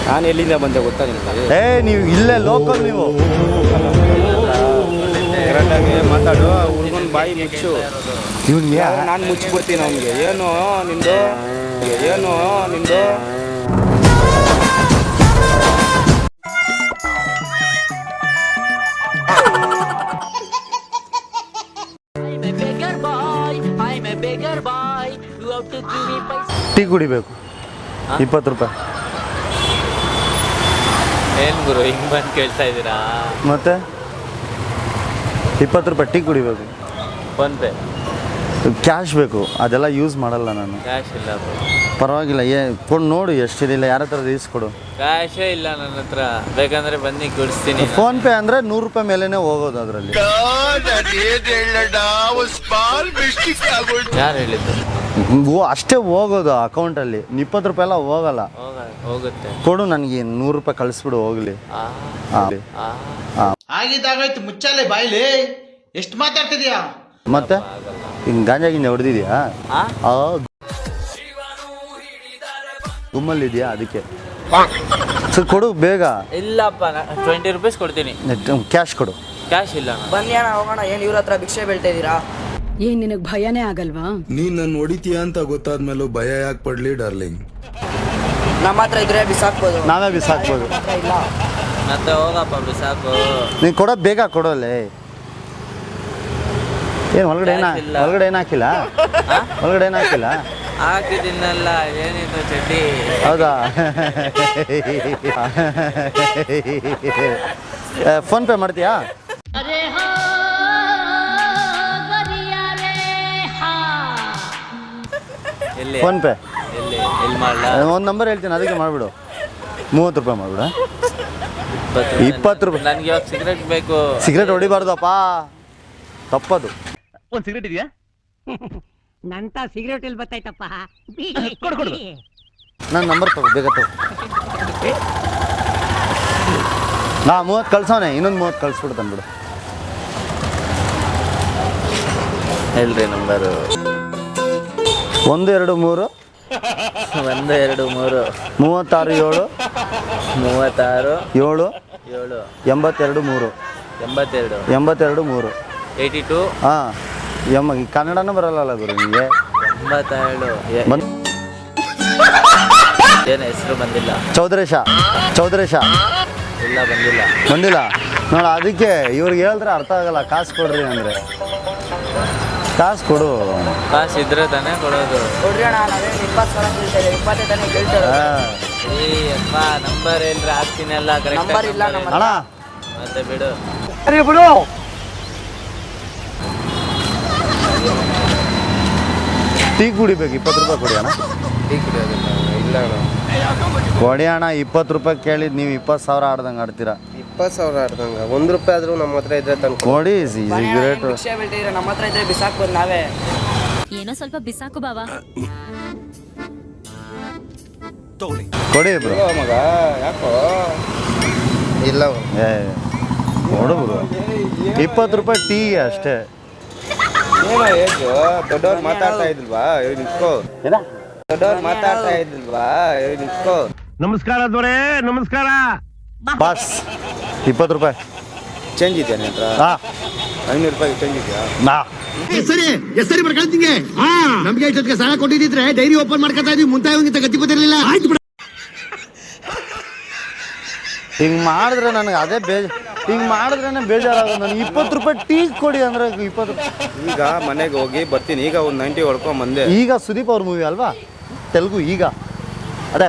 ನಾನು ಎಲ್ಲಿಂದ ಬಂದೆ ಗೊತ್ತಾ ನಿಮಗೆ? ನೀವು ಇಲ್ಲೇ ಲೋಕಲ್ ನೀವು ಕರೆಕ್ಟಾಗಿ ಮಾತಾಡು. ಹುಡುಗನ ಬಾಯಿ ಮುಚ್ಚು. ಇವ್ನಿಗೆ ನಾನು ಮುಚ್ಚಿಬಿಡ್ತೀನಿ ಅವನಿಗೆ. ಏನು ನಿಂದು ಟೀ ಕುಡಿಬೇಕು 20 ರೂಪಾಯಿ. ಏನು ಗುರು ಹಿಂಗೆ ಬಂದು ಕೇಳ್ತಾ ಇದ್ದೀರಾ? ಮತ್ತೆ 20 ರೂಪಾಯಿ ಟೀ ಕುಡಿಬೇಕು. ಫೋನ್ಪೇ ಕ್ಯಾಶ್ ಬೇಕು, ಅದೆಲ್ಲ ಯೂಸ್ ಮಾಡಲ್ಲ ನಾನು. ಕ್ಯಾಶ್ ಇಲ್ಲ ಪರವಾಗಿಲ್ಲ, ಕೊಡು ನೋಡು ಎಷ್ಟಿದಿಲ್ಲ, ಯಾರ ಹತ್ರ ಈಸ್ಕೊಡು. ಕ್ಯಾಶೇ ಇಲ್ಲ ನನ್ನ ಹತ್ರ. ಬೇಕಂದ್ರೆ ಬನ್ನಿ ಕೊಡಿಸ್ತೀನಿ. ಫೋನ್ಪೇ ಅಂದರೆ 100 ರೂಪಾಯಿ ಮೇಲೇ ಹೋಗೋದು ಅದರಲ್ಲಿ. ಯಾರು ಹೇಳಿದ್ದು? ಅಷ್ಟೇ ಹೋಗೋದು ಅಕೌಂಟಲ್ಲಿ, 20 ರೂಪಾಯಿ ಎಲ್ಲ ಹೋಗಲ್ಲ. ಹೋಗುತ್ತೆ. ಕೊಡು ನನಗೆ 100 ರೂಪಾಯಿ ಕಳಿಸ್ಬಿಡು ಹೋಗ್ಲಿ. ಆಗಿದ್ದಾಗಾಯ್ತು, ಮುಚ್ಚಾಲೆ ಬಾಯ್ಲಿ. ಎಷ್ಟು ಮಾತಾಡ್ತಿದ್ಯಾ? ಮತ್ತೆ ಹಿಂಗೆ ಗಾಂಜಾ ಗಿಂಜ ಹೊಡೆದಿದ್ಯಾ? ಗುಮ್ಮಲ್ಲಿದ್ಯಾ? ಅದಕ್ಕೆ ಸರ್ ಕೊಡು ಬೇಗ. ಇಲ್ಲಪ್ಪ 20 ರೂಪೀಸ್ ಕೊಡ್ತೀನಿ. ಕ್ಯಾಶ್ ಕೊಡು. ಕ್ಯಾಶ್ ಇಲ್ಲ. ಬನ್ನಿ ಅಣ್ಣ ಹೋಗೋಣ. ಏನು ಇವ್ರ ಹತ್ರ ಭಿಕ್ಷೆ ಬೀಳ್ತಾ ಇದ್ದೀರಾ? ಏನ್ ನಿನಗ್ ಭಯನೇ ಆಗಲ್ವಾ? ನೀನ್ ನನ್ನ ಹೊಡಿತೀಯ ಅಂತ ಗೊತ್ತಾದ್ಮೇಲೂ ಭಯ ಯಾಕೆ ಪಡ್ಲಿ ಡಾರ್ಲಿಂಗ್? ನಮ್ಮ ಹತ್ರ ಇದ್ರೆ ಬಿಸಾಕ್ಬೋದು. ನಾವೇ ಬಿಸಾಕ್ಬೋದು. ಇಲ್ಲ ಮತ್ತೆ ಹೋಗಪ್ಪ ಬಿಸಾಕು. ನೀನು ಕೊಡೋ ಬೇಗ ಕೊಡೋಲ್ಲೇ. ಏನು ಒಳಗಡೆ ಏನು ಹಾಕಿಲ್ಲ? ಒಳಗಡೆ ಏನು ಹಾಕಿಲ್ಲ? ಹಾಕಿದ್ದೀನಲ್ಲ, ಏನಿತ್ತು ಚಡ್ಡಿ? ಹೌದಾ? ಫೋನ್ಪೇ ಮಾಡ್ತೀಯಾ? ಎಲ್ಲಿ ಫೋನ್ಪೇ ಎಲ್ಲಿ ಮಾಡಲ? ಒಂದು ನಂಬರ್ ಹೇಳ್ತೀನಿ, ಅದಕ್ಕೆ ಮಾಡಿಬಿಡು. 30 ರೂಪಾಯಿ ಮಾಡಿಬಿಡ. 20 ರೂಪಾಯಿ. ನನಗೆ ಇವಾಗ ಸಿಗರೇಟ್ ಬೇಕು. ಸಿಗರೇಟ್ ಹೊಡಿಬಾರ್ದಪ್ಪ, ತಪ್ಪದು. ಒಂದು ಸಿಗರೇಟ್ ಇದೆಯಾ? ನಂತ ಸಿಗರೇಟ್ ಎಲ್ಲಿ ಬತ್ತಾಯ್ತಪ್ಪ? ಕೊಡು. ನನ್ನ ನಂಬರ್ ತಗೋ, ಬೇಗ ತಗೋ. 30 ಕಳ್ಸೋನೆ, ಇನ್ನೊಂದು 30 ಕಳಿಸ್ಬಿಡು ತಂದ್ಬಿಡು. ಹೇಳ್ರಿ ನಂಬರು. 1 2 3 1 2 3 36 7 36 7 7 82 3 82 3 82. ಹಾಂ ಕನ್ನಡನೂ ಬರಲ್ಲ ಗುರು ನಿಮಗೆ. 87 ಏನು ಹೆಸರು ಬಂದಿಲ್ಲ? ಚೌಧರೇಶ ಇಲ್ಲ ಬಂದಿಲ್ಲ ನೋಡ. ಅದಕ್ಕೆ ಇವ್ರಿಗೆ ಹೇಳಿದ್ರೆ ಅರ್ಥ ಆಗಲ್ಲ. ಕಾಸು ಕೊಡ್ರಿ ಅಂದರೆ ಕಾಸು ಕೊಡು. ಕಾಸು ಇದ್ರೆ ತಾನೇ ಕೊಡೋದು. ಕೊಡ್ರಿ ಅಣ್ಣ, ನಾವೇನು 20 ಸಾವಿರ ಕೇಳ್ತೇವೆ, 20 ತಾನೇ ಕೇಳ್ತೇವೆ. ಅಪ್ಪ ನಂಬರ್ ಹೇಳ್ರಿ, ಹಾಕ್ತೀನಿ ಎಲ್ಲ ಕರೆಕ್ಟ್. ನಂಬರ್ ಇಲ್ಲ ನಮ್ಮ ಅಣ್ಣ. ಮತ್ತೆ ಬಿಡು. ಟೀ ಕುಡಿಬೇಕು, 20 ರೂಪಾಯಿ ಕೊಡಿ ಅಣ್ಣ. ಟೀ ಕುಡಿಯೋದಿಲ್ಲ. ಇಲ್ಲ ಕೊಡಿ ಅಣ್ಣ, 20 ರೂಪಾಯಿ ಕೇಳಿದ್ ನೀವು 20 ಸಾವಿರ ಆಡ್ದಂಗೆ ಆಡ್ತೀರಾ. 20 ಸಾವಿರ ಆಡ್ದಂಗ 1 ರೂಪಾಯಿ ಆದ್ರೂ ನಮ್ಮ ಹತ್ರ ಇದ್ರೆ ತಂದು ಕೊಡಿ ಸಿಗರೇಟ್. ಭಿಕ್ಷೆ ಬೀಳ್ತಿದ್ರೆ ನಮ್ಮ ಹತ್ರ ಇದ್ರೆ ಬಿಸಾಕ್ಬೋದು ನಾವೇ. ಏನೋ ಸ್ವಲ್ಪ ಬಿಸಾಕು ಬಾವಾ. ಕೊಡಿ ಬ್ರೋ. ಮಗ ಯಾಕೋ ಇಲ್ಲ ಕೊಡು ಬ್ರೋ. 20 ರೂಪಾಯಿ ಟೀಗೆ ಅಷ್ಟೇ. ಏನೋ ಏಜು ದೊಡ್ಡವ್ರು ಮಾತಾಡ್ತಾ ಇದ್ಲ್ವಾ? ನಿಂತ್ಕೋ. ದೊಡ್ಡವ್ರು ಮಾತಾಡ್ತಾ ಇದ್ಲ್ವಾ? ನಿಂತ್ಕೋ. ನಮಸ್ಕಾರ ದೊರೆ, ನಮಸ್ಕಾರ. ಬಾಸ್ 20 ರೂಪಾಯಿ ಚೇಂಜ್ ಇದೆಯಾ ನಿನ್ನ ಹತ್ರ? 500 ರೂಪಾಯಿ ಚೇಂಜ್ ಇದೆಯಾ? ಸರಿ ಬರ್ಕೊಳ್ತೀನಿ. ನಮ್ಗೆ ಇಷ್ಟೊತ್ತಿಗೆ ಸಾಲ ಕೊಟ್ಟಿದ್ರೆ ಡೈರಿ ಓಪನ್ ಮಾಡ್ಕೊತಾ ಇದೀವಿ. ಮುಂತಾಯಿ ಗತಿ ಗೊತ್ತಿರಲಿಲ್ಲ. ಹಿಂಗೆ ಮಾಡಿದ್ರೆ ನನಗೆ ಅದೇ ಹಿಂಗೆ ಮಾಡಿದ್ರೇನೆ ಬೇಜಾರಾಗೋದು. ನನಗೆ 20 ರೂಪಾಯಿ ಟೀ ಕೊಡಿ ಅಂದರೆ 20 ರೂಪಾಯಿ. ಈಗ ಮನೆಗೆ ಹೋಗಿ ಬರ್ತೀನಿ. ಈಗ ಒಂದು 90 ಹೊಡ್ಕೊಂಬಂದೆ. ಈಗ ಸುದೀಪ್ ಅವ್ರ ಮೂವಿ ಅಲ್ವಾ ತೆಲುಗು? ಈಗ ಅದೇ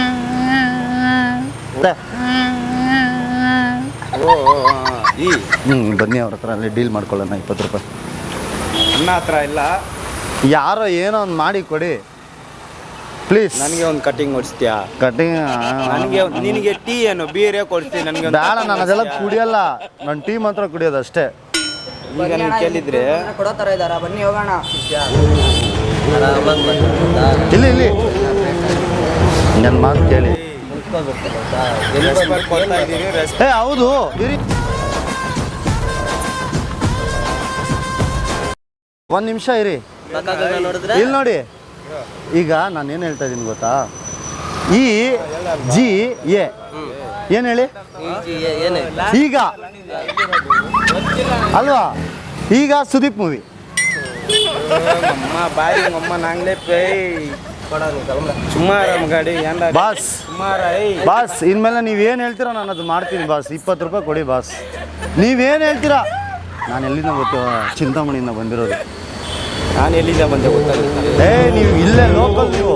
ಬನ್ನಿ ಅವ್ರ ಹತ್ರ ಅಲ್ಲಿ ಡೀಲ್ ಮಾಡ್ಕೊಳ್ಳೋಣ. 20 ರೂಪಾಯಿ ನನ್ನ ಹತ್ರ ಇಲ್ಲ. ಯಾರೋ ಏನೋ ಒಂದು ಮಾಡಿ ಕೊಡಿ ಪ್ಲೀಸ್. ನನಗೆ ಒಂದು ಕಟಿಂಗ್ ಹೊಡಿಸ್ತೀಯಾ? ಕಟಿಂಗ್ ನನಗೆ ನಿನಗೆ ಟೀ ಏನು ಬೀರೇ ಕೊಡ್ತೀನಿ. ನನಗೆ ಬೇಡ, ನಾನು ಅದೆಲ್ಲ ಕುಡಿಯಲ್ಲ. ನಾನು ಟೀ ಮಾತ್ರ ಕುಡಿಯೋದು ಅಷ್ಟೇ. ಈಗ ನೀವು ಕೇಳಿದ್ರೆ ಕೊಡೋ ಥರ ಇದ್ದಾರ, ಬನ್ನಿ ಹೋಗೋಣ. ಇಲ್ಲಿ ನನ್ನ ಮಾತು ಕೇಳಿ. ಹೌದು ಇರಿ, 1 ನಿಮಿಷ ಇರಿ. ಇಲ್ಲಿ ನೋಡಿ, ಈಗ ನಾನು ಏನು ಹೇಳ್ತಾ ಇದ್ದೀನಿ ಗೊತ್ತಾ? ಈ ಜಿ ಎ ಏನು ಹೇಳಿ ಈಗ ಅಲ್ವಾ ಈಗ ಸುದೀಪ್ ಮೂವಿ ಬಾರಿ ಅಮ್ಮ ನಾಂಗ್ಲೇ ಪೇ ಸುಮಾರ ಗಾಡಿ ಬಾಸ್ ಬಾಸ್ ಇನ್ಮೇಲೆ ನೀವೇನು ಹೇಳ್ತೀರಾ ನಾನು ಅದು ಮಾಡ್ತೀನಿ ಬಾಸ್. 20 ರೂಪಾಯಿ ಕೊಡಿ ಬಾಸ್. ನೀವೇನು ಹೇಳ್ತೀರಾ? ನಾನು ಎಲ್ಲಿಂದ ಗೊತ್ತು, ಚಿಂತಾಮಣಿಯಿಂದ ಬಂದಿರೋದು. ನಾನು ಎಲ್ಲಿಂದ ಬಂದೆ ಗೊತ್ತಾಗುತ್ತೆ. ನೀವು ಇಲ್ಲೇ ಲೋಕಲ್ ನೀವು.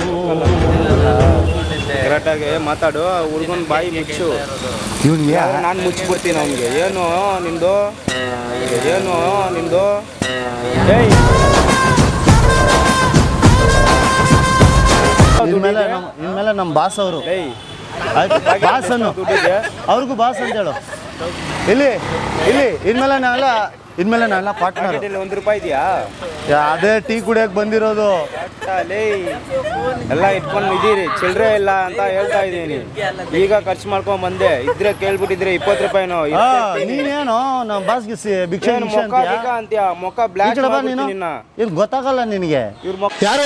ಕರೆಕ್ಟಾಗಿ ಮಾತಾಡು. ಹುಡುಗನ ಬಾಯಿ ಮುಚ್ಚು. ಇವನಿಗೆ ನಾನು ಮುಚ್ಚಿಬಿಡ್ತೀನಿ ಅವನಿಗೆ. ಏನು ನಿಂದು ಏಯ್ ಇನ್ಮೇಲೆ ನಮ್ಮ ಬಾಸ್ ಅವರು ಬಾಸ್ ಅನ್ನು ಅವ್ರಿಗೂ ಬಾಸ್ ಅಂತ ಹೇಳು. ಇಲ್ಲಿ ಇನ್ಮೇಲೆ ನಾವೆಲ್ಲ ಪಾರ್ಟ್ನರ್. $1 ರೂಪಾಯಿ ಇದೆಯಾ? ಅದೇ ಟೀ ಕುಡಿಯಕ್ಕೆ ಬಂದಿರೋದು. ಎಲ್ಲ ಇಟ್ಕೊಂಡು ಇದೀರಿ, ಚಿಲ್ಲರೆ ಇಲ್ಲ ಅಂತ ಹೇಳ್ತಾ ಇದ್ದೀನಿ. ಈಗ ಖರ್ಚು ಮಾಡ್ಕೊಂಡ್ ಬಂದೆ. ಇದ್ರೆ ಕೇಳ್ಬಿಟ್ಟಿದ್ರೆ 20 ರೂಪಾಯಿನೋ. ನೀನೇನೋ ನಮ್ಮ ಬಾಸ್ಗೆ ಭಿಕ್ಷೆ ಅಂತೀಯ. ಮೊಕ್ಕ ಬ್ಲಾಕ್ ನೀನು ಇದು ಗೊತ್ತಾಗಲ್ಲ ನಿನಗೆ. ಇವ್ರ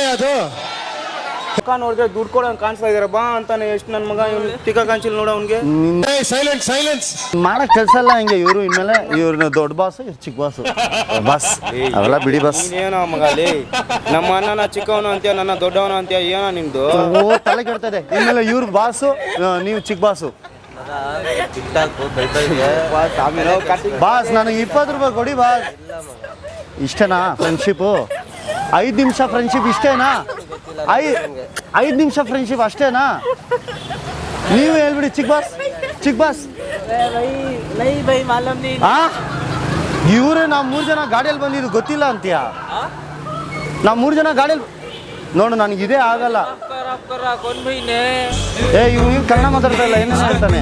ಮುಖ ನೋಡಿದ್ರೆ ದುಡ್ಡು ಕೊಡೋಂಗೆ ಕಾಣಿಸ್ತಾ ಇದಾರೆ. ಬಾ ಅಂತಾನೆ ಎಷ್ಟು ನನ್ನ ಮಗ ಇವ್ನು ಟಿಕ್ಕ ಕಾಣಿಸಿಲ್ಲ ನೋಡ ಅವ್ನಿಗೆ. ಮಾಡಕ್ ಕೆಲಸ ಇಲ್ಲ ಹಿಂಗೆ. ಇವರು ಇನ್ಮೇಲೆ ಇವ್ರನ್ನ ದೊಡ್ಡ ಬಾಸು, ಇವ್ರು ಚಿಕ್ಕ ಬಾಸ್ ಅವೆಲ್ಲ ಬಿಡಿ ಬಾಸ್. ಏನೋ ಮಗಲಿ, ನಮ್ಮ ಅಣ್ಣನ ಚಿಕ್ಕವನು ಅಂತೀಯ, ನನ್ನ ದೊಡ್ಡವನು ಅಂತೀಯ. ಏನೋ ನಿಮ್ದು ತಲೆ ಕೆಡ್ತದೆ. ಇನ್ಮೇಲೆ ಇವ್ರ ಬಾಸು, ನೀವು ಚಿಕ್ಕ ಬಾಸು. ಬಾಸ್ ನನಗೆ 20 ರೂಪಾಯಿ ಕೊಡಿ ಬಾಸ್. ಇಷ್ಟೇನಾ ಫ್ರೆಂಡ್ಶಿಪ್ಪು? 5 ನಿಮಿಷ ಫ್ರೆಂಡ್ಶಿಪ್ ಇಷ್ಟೇನಾ? 5 ನಿಮಿಷ ಫ್ರೆಂಡ್ಶಿಪ್ ಅಷ್ಟೇನಾ? ನೀವು ಹೇಳ್ಬಿಡಿ ಚಿಕ್ಕ ಬಾಸ್. ಇವ್ರೆ ನಾವು 3 ಜನ ಗಾಡಿಯಲ್ಲಿ ಬಂದಿದ್ದು ಗೊತ್ತಿಲ್ಲ ಅಂತೀಯ? ನಾವು 3 ಜನ ಗಾಡಿಯಲ್ಲಿ ನೋಡು. ನನಗೆ ಇದೇ ಆಗಲ್ಲ. ಇವ್ನು ಕನ್ನಡ ಮಾತಾಡ್ತಾ ಇಲ್ಲ. ಏನೇನು ಹೇಳ್ತಾನೆ?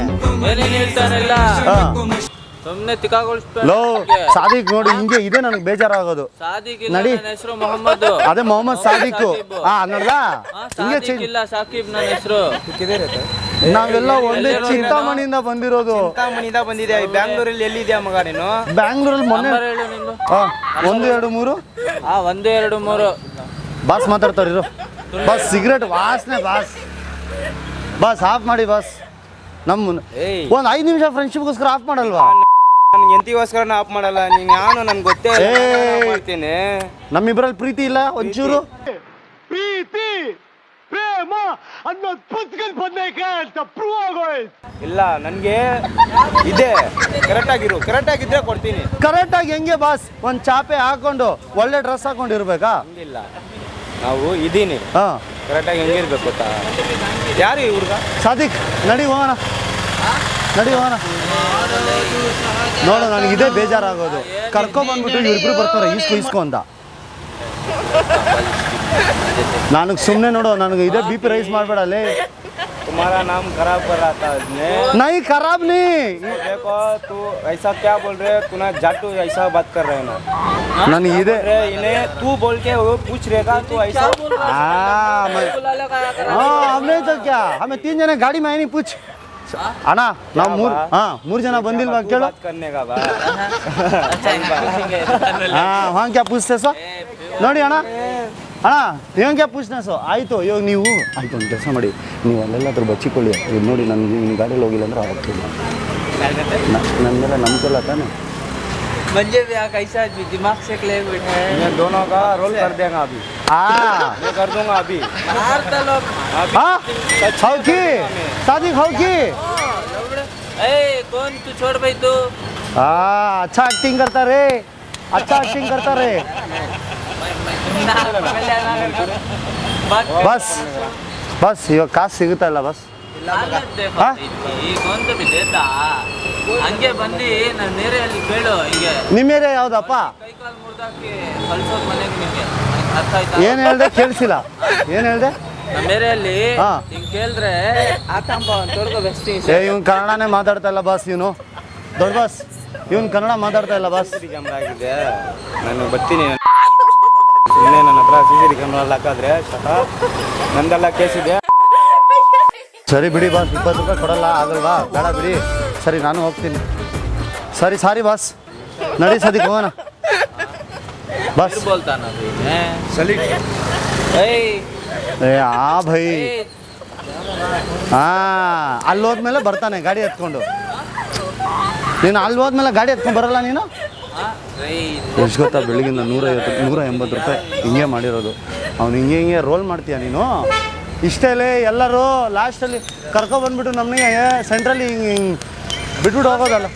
ಸುಮ್ಮನೆ ತಿಕ್ಕಾಗೊಳಿಸ್ಬೇಡ. ಲೋ ಸಾದಿಕ್ ನೋಡಿ ಹಿಂಗೆ ಇದೆ. ನನಗೆ ಬೇಜಾರಾಗೋದು. ನಡಿ. ಹೆಸರು ಮೊಹಮ್ಮದ್. ಅದೇ ಮೊಹಮ್ಮದ್ ಸಾದಿಕ್. ನೋಡ್ದ ಹಿಂಗೆ ಇಲ್ಲ ಸಾಕಿಬ್ ನನ್ನ ಹೆಸರು. ನಾವೆಲ್ಲ ಒಂದೇ ಚಿಂತಾಮಣಿಯಿಂದ ಬಂದಿರೋದು. ಚಿಂತಾಮಣಿಯಿಂದ ಬಂದಿದೆ. ಬ್ಯಾಂಗ್ಳೂರಲ್ಲಿ ಎಲ್ಲಿದ್ಯಾ ಮಗ ನೀನು? ಬ್ಯಾಂಗ್ಳೂರಲ್ಲಿ ಮೊನ್ನೆ 1 2 3 1 2 3 ಬಾಸ್ ಮಾತಾಡ್ತಾರಿರು. ಬಾಸ್ ಸಿಗರೇಟ್ ವಾಸನೆ ಬಾಸ್ ಆಫ್ ಮಾಡಿ ಬಾಸ್. ಒಂದು 5 ನಿಮಿಷ ಫ್ರೆಂಡ್ಶಿಪ್ಗೋಸ್ಕರ ಆಫ್ ಮಾಡಲ್ವಾ? ನನ್ಗೆ ಎಂತಿಗೋಸ್ಕರ ಆಫ್ ಮಾಡಲ್ಲ. ನೀನು ಯಾನು ನನ್ಗೆ ಗೊತ್ತೇ ಮಾಡ್ತೀನಿ. ನಮ್ಮಿಬ್ರಲ್ಲಿ ಪ್ರೀತಿ ಇಲ್ಲ ಒಂಚೂರು? ಪ್ರೀತಿ ಪ್ರೇಮ ಅನ್ನೋದು ಪುಸ್ತಕದ ಬಂದೈತೆ ಅಂತ ಪ್ರೂವ್ ಆಗೋಯ್ತು. ಇಲ್ಲ ನನಗೆ ಇದೆ. ಕರೆಕ್ಟಾಗಿದ್ರೆ ಕೊಡ್ತೀನಿ. ಕರೆಕ್ಟಾಗಿ ಹೆಂಗೆ ಬಾಸ್? ಒಂದು ಚಾಪೆ ಹಾಕೊಂಡು ಒಳ್ಳೆ ಡ್ರೆಸ್ ಹಾಕೊಂಡಿರ್ಬೇಕಾ? ಹಂಗಿಲ್ಲ, ನಾವು ಇದೀನಿ. ಕರೆಕ್ಟಾಗಿ ಹೆಂಗಿರ್ಬೇಕು ಗೊತ್ತಾ? ಯಾರು ಈ ಹುಡುಗ? ಸಾದಿಕ್ ನಡಿ ಹೋಗೋಣ. ನೋಡು ನನಗೆ ಇದೇ ಬೇಜಾರಾಗೋದು. ಕರ್ಕೊಂಬಂದ್ಬಿಟ್ಟು ಇವ್ರಿಬ್ರು ಬರ್ತಾರೆ ಇಸ್ಕೊ ಅಂತ. ನನಗೆ ಸುಮ್ಮನೆ ನೋಡು, ನನಗೆ ಇದೇ BP ರೈಸ್ ಮಾಡಬೇಡ. ಅಲ್ಲೇ तुम्हारा नाम खराब कर रहा था इसने. नहीं खराब नहीं. देखो तू ऐसा क्या बोल रहे? तू ना जाटू ऐसा बात कर रहे ना. ನನಗೆ ಇದೆ. इन्हें तू बोल के वो पूछ रहेगा तू ऐसा. हमने तो क्या, हमें 3 जने गाड़ी में आए नहीं. पूछ ಅಣ್ಣ, ನಾವು 3 ಜನ ಬಂದಿಲ್ವಾ ಕೇಳು. ಹಾಂ ಕ್ಯಾ ಪೂछते ಸೋ ನೋಡಿ ಅಣ್ಣ ಏನು ಕ್ಯಾ ಪೂछते ಸೋ. ಆಯಿತು ಇವಾಗ ನೀವು ಆಯಿತು ಒಂದು ಕೆಲಸ ಮಾಡಿ, ನೀವು ಅಲ್ಲೆಲ್ಲಾದ್ರೂ ಬಚ್ಚಿಕೊಳ್ಳಿ. ಇದು ನೋಡಿ ನನಗೆ ನಿಮ್ಮ ಗಾಡಿಯಲ್ಲಿ ಹೋಗಿಲ್ಲ ಅಂದ್ರೆ ಆಗ್ತಿಲ್ಲ. ನನ್ನ ಮೇಲೆ ನಂಬಿಕೆಲ್ಲ ತಾನೆ. मंजे भी कैसा दिमाग से ले बैठे हैं. दोनों का रोल कर देगा अभी. मैं कर दूंगा अभी. हौकी शादी हौकी. कौन तू छोड़ भाई तू. अच्छा एक्टिंग करता रे. ಬಸ್ ಇವಾಗ ಕಾಸು ಸಿಗುತ್ತಾ ಇಲ್ಲ ಬಸ್? ಹಂಗೆ ಬಂದು ನಾನು ನೇರೆಯಲ್ಲಿ ಕೇಳು. ಹೀಗೆ ನಿಮ್ಮ ಏರಿಯಾ ಯಾವ್ದಪ್ಪ? ಕೈಕಾಲು ಮುರಿದಾಕಿ ಕಳ್ಸೋದು ಮನೆಗೆ. ನಿಮಗೆ ಅರ್ಥ ಆಯ್ತಾ? ಏನು ಹೇಳ್ದೆ ಕೇಳಿಸಿಲ್ಲ. ಏನು ಹೇಳ್ದೆ? ನಮ್ಮ ಏರಿಯಲ್ಲಿ ಹಿಂಗೆ ಕೇಳಿದ್ರೆ ಆತಂಬ ತೊಡ್ಕೋ ಬೆಸ್ತಿ. ಇವ್ನು ಕನ್ನಡನೇ ಮಾತಾಡ್ತಾ ಇಲ್ಲ ಬಾಸ್. ಇವನು ದೊಡ್ಡ ಬಾಸ್, ಇವನು ಕನ್ನಡ ಮಾತಾಡ್ತಾ ಇಲ್ಲ ಬಾಸ್. ಕ್ಯಾಮ್ರಾ ಆಗಿದೆ. ನಾನು ಬರ್ತೀನಿ. ಸುಮ್ಮನೆ ನನ್ನ ಹತ್ರ CCTV ಕ್ಯಾಮ್ರಾ ಹಾಕಿದ್ರೆ ನಂದೆಲ್ಲ ಕೇಸ್ ಇದೆ. ಸರಿ ಬಿಡಿ ಬಾಸ್, 20 ರೂಪಾಯಿ ಕೊಡಲ್ಲ ಆಗಲ್ವಾ? ಬೇಡ ಬಿಡಿ. ಸರಿ ನಾನು ಹೋಗ್ತೀನಿ. Sorry boss. ನಡಿ ಸದಿಕ್ ಹೋಗೋಣ ಬಸ್. बोलता ना सलीट. भाई ಅಲ್ಲಿ ಹೋದ್ಮೇಲೆ ಬರ್ತಾನೆ ಗಾಡಿ ಎತ್ಕೊಂಡು. ನೀನು ಅಲ್ಲಿ ಹೋದ್ಮೇಲೆ ಗಾಡಿ ಎತ್ಕೊಂಡು ಬರಲ್ಲ ನೀನು? ಎಷ್ಟು ಗೊತ್ತಾ, ಬೆಳಗಿಂದ 180 ರೂಪಾಯಿ ಹಿಂಗೆ ಮಾಡಿರೋದು. ಅವ್ನು ಹಿಂಗೆ ರೋಲ್ ಮಾಡ್ತೀಯ ನೀನು. ಇಷ್ಟೇಲೆ ಎಲ್ಲರೂ ಲಾಸ್ಟಲ್ಲಿ ಕರ್ಕೊಬಂದ್ಬಿಟ್ಟು ನಮಗೆ ಸೆಂಟ್ರಲ್ಲಿ ಹಿಂಗೆ ಬಿಟ್ಬಿಟ್ಟು ಹೋಗೋದಲ್ಲ.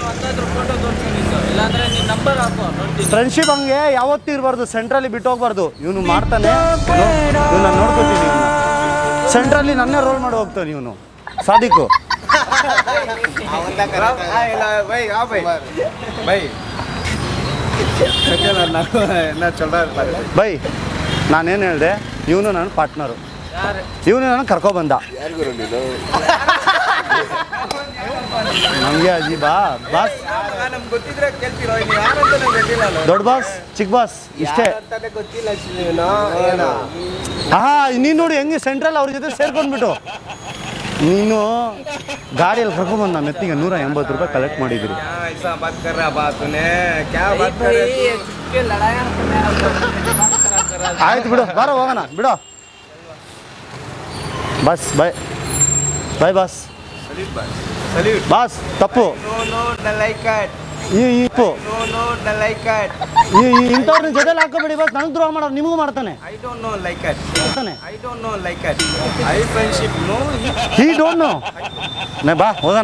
ಫ್ರೆಂಡ್ಶಿಪ್ ಹಂಗೆ ಯಾವತ್ತೂ ಇರಬಾರ್ದು, ಸೆಂಟ್ರಲ್ಲಿ ಬಿಟ್ಟು ಹೋಗ್ಬಾರ್ದು. ಇವನು ಮಾಡ್ತಾನೆ, ಇವನು ನಾನು ನೋಡ್ಕೊತೀನಿ. ಸೆಂಟ್ರಲ್ಲಿ ನನ್ನೇ ರೋಲ್ ಮಾಡಿ ಹೋಗ್ತಾನೆ ಇವನು ಸಾದಿಕು. ಬೈ ನಾನೇನು ಹೇಳಿದೆ, ಇವನು ನನ್ನ ಪಾರ್ಟ್ನರು, ಇವನು ನಾನು ಕರ್ಕೊಬಂದ. ನಮಗೆ ಅಜೀಬಾ ಬಾಸ್, ದೊಡ್ಡ ಬಾಸ್ ಚಿಕ್ಕ ಬಾಸ್ ಇಷ್ಟೇ. ನೀನು ನೋಡಿ ಹೆಂಗೆ ಸೆಂಟ್ರಲ್ ಅವ್ರ ಜೊತೆ ಸೇರ್ಕೊಂಡ್ಬಿಟ್ಟು ನೀನು ಗಾಡಿಯಲ್ಲಿ ಕರ್ಕೊಂಬಂದು ನಮ್ಮ ಎತ್ತಿಗೆ 180 ರೂಪಾಯಿ ಕಲೆಕ್ಟ್ ಮಾಡಿದ್ದೀರಿ. ಆಯ್ತು ಬಿಡು, ಬಾರೋ ಹೋಗೋಣ ಬಿಡು. ಬಸ್ ಬಾಯ್ ಬಾಯ್ ಬಾಸ್. ಬಾಸ್ ತಪ್ಪು ಇಪ್ಪು ಇಂಥವ್ರನ್ನ ಜೊತೆಲಿ ಹಾಕೋಬೇಡಿ ಬಾಸ್. ನನಗೆ ದ್ರೋಹ ಮಾಡೋರು ನಿಮಗೂ ಮಾಡ್ತಾನೆ. ಈ ಡೋಂಟ್ ನೋ. ಬಾ ಹೋಗೋಣ.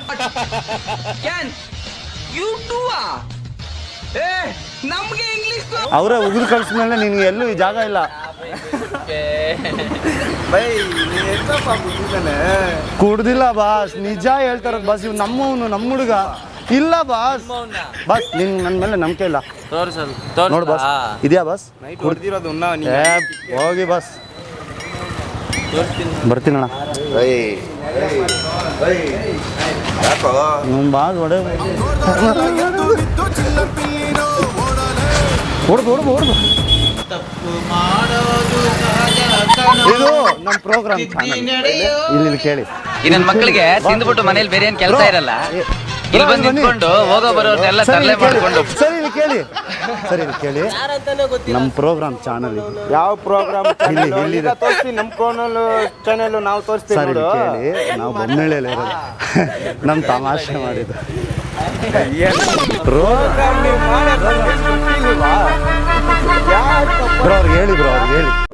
ಅವರೇ ಉಗಿದು ಕಳಿಸ್ಮೇಲೆ ನಿನ್ಗೆ ಎಲ್ಲೂ ಈ ಜಾಗ ಇಲ್ಲ. ಕುಡ್ದಿಲ್ಲ ಬಾಸ್, ನಿಜ ಹೇಳ್ತಾರ ಬಾಸ್. ಇವ್ ನಮ್ಮವನು, ನಮ್ಮ ಹುಡುಗ ಇಲ್ಲ ಬಾಸ್. ಬಾಸ್ ನಿನ್ ನನ್ನ ಮೇಲೆ ನಂಬಿಕೆ ಇಲ್ಲ ನೋಡು ಬಾಸ್. ಇದೆಯಾ ಬಾಸ್? ಕುಡ್ದಿರೋದು ಹೋಗಿ ಬಾಸ್, ಬರ್ತೀನಣ್ಣ. ಬಾಸ್ ಹೊಡೆ ಹೊಡ್ದು ಹೊಡ್ದು ಹೊಡ್ದು. ಇದು ನಮ್ಮ ಪ್ರೋಗ್ರಾಮ್ ಚಾನಲ್. ಇಲ್ಲಿ ಕೇಳಿ, ನನ್ನ ಮಕ್ಕಳಿಗೆ ತಿಂದ್ಬಿಟ್ಟು ಮನೇಲಿ ಬೇರೆ ಏನ್ ಕೆಲಸ ಇರಲ್ಲ, ಇಲ್ಲಿ ಬಂದು ನಿಂತ್ಕೊಂಡು ಹೋಗೋ ಬರೋರ್ನೆಲ್ಲ ತರಲೆ ಮಾಡ್ಕೊಂಡು. ಸರಿ ಇಲ್ಲಿ ಕೇಳಿ, ಸರಿ ಇಲ್ಲಿ ಕೇಳಿ, ನಮ್ಮ ಪ್ರೋಗ್ರಾಮ್ ಚಾನಲ್ ಯಾವ ಪ್ರೋಗ್ರಾಮ್ ತೋರಿಸ್ತೀವಿ, ನಮ್ಮ ಚಾನಲ್ ನಾವು ತೋರಿಸ್ತೀವಿ. ಸರಿ ಕೇಳಿ, ನಾವು ಬೊಮ್ಮೆಳೆಯಲ್ಲಿ ಇರೋದು. ನಮ್ಮ ತಮಾಷೆ ಮಾಡಿದ್ದು ಬ್ರೋ. ಅವ್ರಿಗೆ ಹೇಳಿ ಬ್ರೋ, ಅವ್ರಿಗೆ ಹೇಳಿ.